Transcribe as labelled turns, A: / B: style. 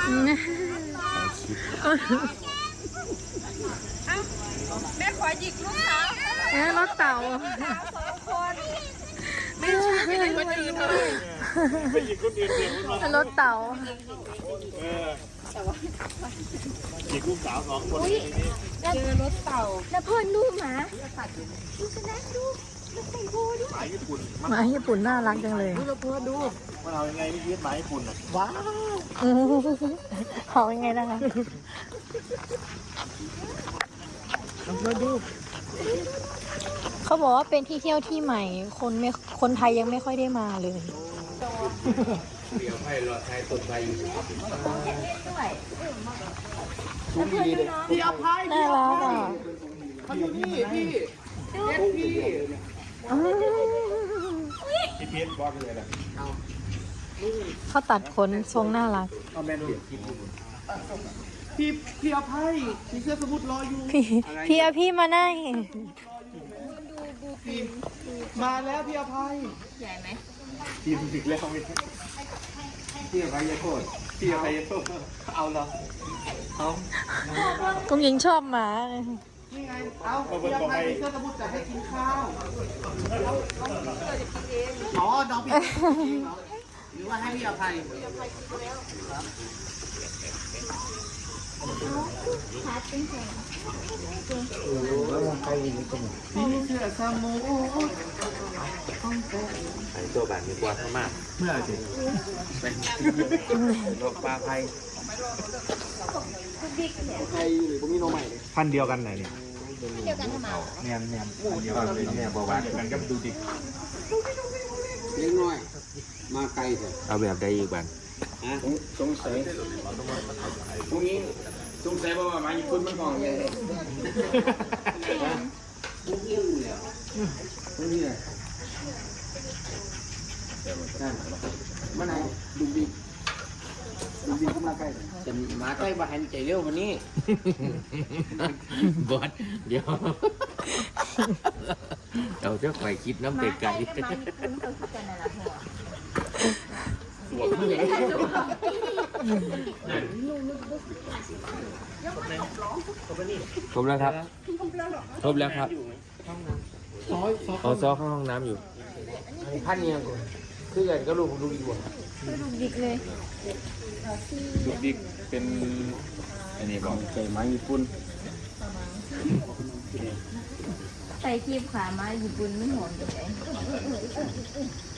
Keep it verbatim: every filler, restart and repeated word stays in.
A: แม่ขอหยิกลูกสาว
B: แม่รถเต่า
A: สองคนไม่ช่วยไม่คนอื่นเลย
C: ไปหยิบคนอื่นเดียวคน
B: รถเต่า
C: เออหยิบลูกสาวสองคน
A: เจอรถเต่า
B: แล้วเพื่อนลูกหมาดูชนะดูดูใส่โบดู
C: หมาญี่ปุ่น
B: หมาญี่ปุ่นน่ารักจังเลย
C: ดูเพื่อนดูมันเอายังไงไม่คิดหมาญี่ปุ่นอ่ะว้าว
B: เขายังไงนะคะ
C: เพื่อนดู
B: เขาบอกว่าเป็นที่เที่ยวที่ใหม่คนไม่คนไทยยังไม่ค่อยได้มาเลย
D: เดี๋ยวให้รอไทยตกไป
C: พี่อภัย
B: น่ารักอ่ะ
C: พี่พี่พี่พี่เพชรบอกเลยนะ
B: เขาตัดขนทรงน่ารัก
C: เอาแมนเดียพี่พี่อภัยพี่เสื้อสมุดรออยู่
B: พี่พี่เอาพี่มาได้
C: มาแล้วพี่อภัย
A: ใหญ่ไหม
C: ทีมดึกแล้วไม่พี่อภัยยาโทษพี่อภัยยาโทษเอาเหรอเอา
B: กุ้งยิงชอบหมา
C: นี่ไงเอาพี่อภัยเสื้อสมุดจะให้กินข้าวอ๋อน้องพี่หรือว่าให้พี่อภัยพี่เสื้อสมุด
D: ไอ้ตัวแบบมีกวาดมาก
C: เมื่อสิ
D: เป็นโรคปลาไผ่
C: ไทยหรือพวกนี้โนใหม่เลยพันเดียวกันไหนเนี่ย
A: เดียวกันทำไม
C: เนียนเนียนพันเดียวกันเลยเนี่ยบอกว่ากันก็ดูดิ
E: เล็กน้อยมาไกลเถอะ
D: เอาแบบใดอีกบ้าง
E: สงสัยพวกนี้สงสัยว่ามาญี่ปุ่นมันของยังไงพวกนี้เลยพวกนี้เลยมันไหนดูดิดูดิเข้ามาใกล้จะมาใกล้บ้านใจเร็ววันนี้
D: บอสเดี๋ยวเราจะคอยคิดน้ำเด็กไก่ครบแล้วครับครบแล้วครับเอาซอเข้าห้องน้ำอยู่
E: พันเนี่ยคือกันก็รู้ผมดูดีกว่า
B: ดูดิกเลย
C: ดูดิกเป็นอันนี้บอกใจไม้ญี่ปุ่น
B: ใส่คีบขามาญี่ปุ่นไม่หอมเลย